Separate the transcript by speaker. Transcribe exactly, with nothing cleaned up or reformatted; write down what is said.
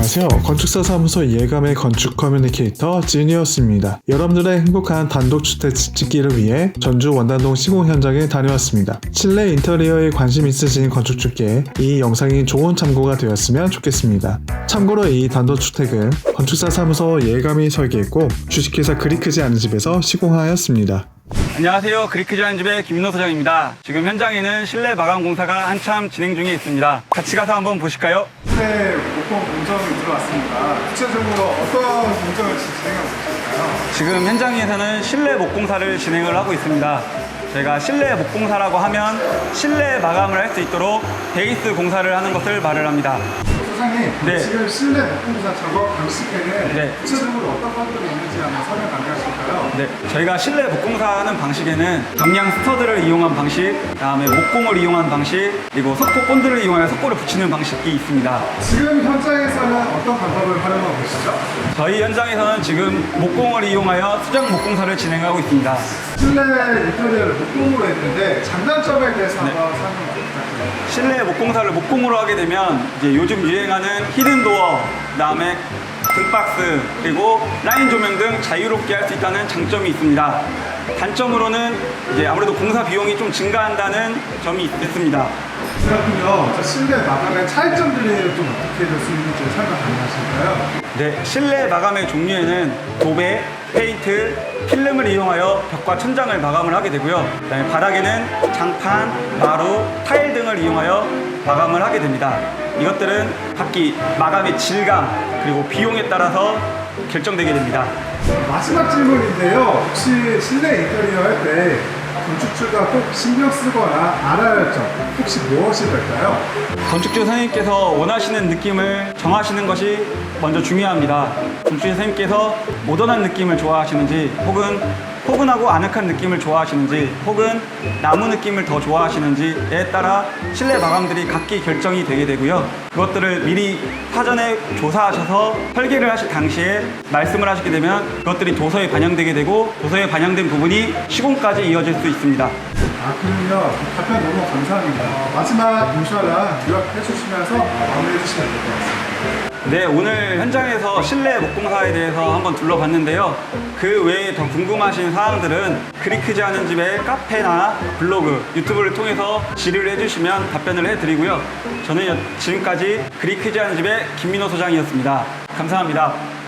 Speaker 1: 안녕하세요. 건축사 사무소 예감의 건축 커뮤니케이터 지니어스입니다. 여러분들의 행복한 단독주택 짓기를 위해 전주 원단동 시공 현장에 다녀왔습니다. 실내 인테리어에 관심 있으신 건축주께 이 영상이 좋은 참고가 되었으면 좋겠습니다. 참고로 이 단독주택은 건축사 사무소 예감이 설계했고 주식회사 그리크지 않은 집에서 시공하였습니다.
Speaker 2: 안녕하세요. 그리크지 않은 집의 김민호 소장입니다. 지금 현장에는 실내 마감 공사가 한참 진행 중에 있습니다. 같이 가서 한번 보실까요?
Speaker 3: 실내 목공 공정이 들어왔습니다. 구체적으로 어떤 공정을 진행하고 계실까요?
Speaker 2: 지금 현장에서는 실내 목공사를 진행을 하고 있습니다. 저희가 실내 목공사라고 하면 실내 마감을 할 수 있도록 베이스 공사를 하는 것을 말을 합니다.
Speaker 3: 소장님,
Speaker 2: 네.
Speaker 3: 지금 실내 목공사 작업 방식에는
Speaker 2: 네.
Speaker 3: 구체적으로 어떤 것들이 있는지 한번 설명 가능하실까요?
Speaker 2: 네, 저희가 실내 목공사하는 방식에는 경량 스터드를 이용한 방식, 그다음에 목공을 이용한 방식, 그리고 석고 본드를 이용하여 석고를 붙이는 방식이 있습니다.
Speaker 3: 지금 현장에서는 어떤 방법을 활용하고 계시죠?
Speaker 2: 저희 현장에서는 지금 목공을 이용하여 수정 목공사를 진행하고 있습니다.
Speaker 3: 실내 인테리어를 목공으로 했는데 장단점에 대해서
Speaker 2: 네.
Speaker 3: 한번 설명 부탁드립니다.
Speaker 2: 실내 목공사를 목공으로 하게 되면 이제 요즘 유행하는 히든 도어, 그다음에 등박스, 그리고 라인 조명 등 자유롭게 할 수 있다는 장점이 있습니다. 단점으로는 이제 아무래도 공사 비용이 좀 증가한다는 점이 있습니다.
Speaker 3: 그렇군요. 저 실내 마감의 차이점들이 좀 어떻게 될 수 있는지 설명 가능하실까요?
Speaker 2: 네, 실내 마감의 종류에는 도배, 페인트, 필름을 이용하여 벽과 천장을 마감을 하게 되고요. 그다음에 바닥에는 장판, 마루, 타일 등을 이용하여 마감을 하게 됩니다. 이것들은 각기 마감의 질감 그리고 비용에 따라서 결정되게 됩니다.
Speaker 3: 마지막 질문인데요. 혹시 실내 인테리어 할 때 건축주가 꼭 신경 쓰거나 알아야 할 점 혹시 무엇이 될까요?
Speaker 2: 건축주 선생님께서 원하시는 느낌을 정하시는 것이 먼저 중요합니다. 건축주 선생님께서 모던한 느낌을 좋아하시는지, 혹은 포근하고 아늑한 느낌을 좋아하시는지, 혹은 나무 느낌을 더 좋아하시는지에 따라 실내 마감들이 각기 결정이 되게 되고요. 그것들을 미리 사전에 조사하셔서 설계를 하실 당시에 말씀을 하시게 되면 그것들이 도서에 반영되게 되고, 도서에 반영된 부분이 시공까지 이어질 수 있습니다.
Speaker 3: 아, 그럼요. 답변 너무 감사합니다. 어, 마지막 인슈아랑 요약해 주시면서 마무리해 주시면 될 것 같습니다.
Speaker 2: 네, 오늘 현장에서 실내 목공사에 대해서 한번 둘러봤는데요. 그 외에 더 궁금하신 사항들은 그리크지 않은 집의 카페나 블로그, 유튜브를 통해서 질의를 해주시면 답변을 해드리고요. 저는 지금까지 그리크지 않은 집의 김민호 소장이었습니다. 감사합니다.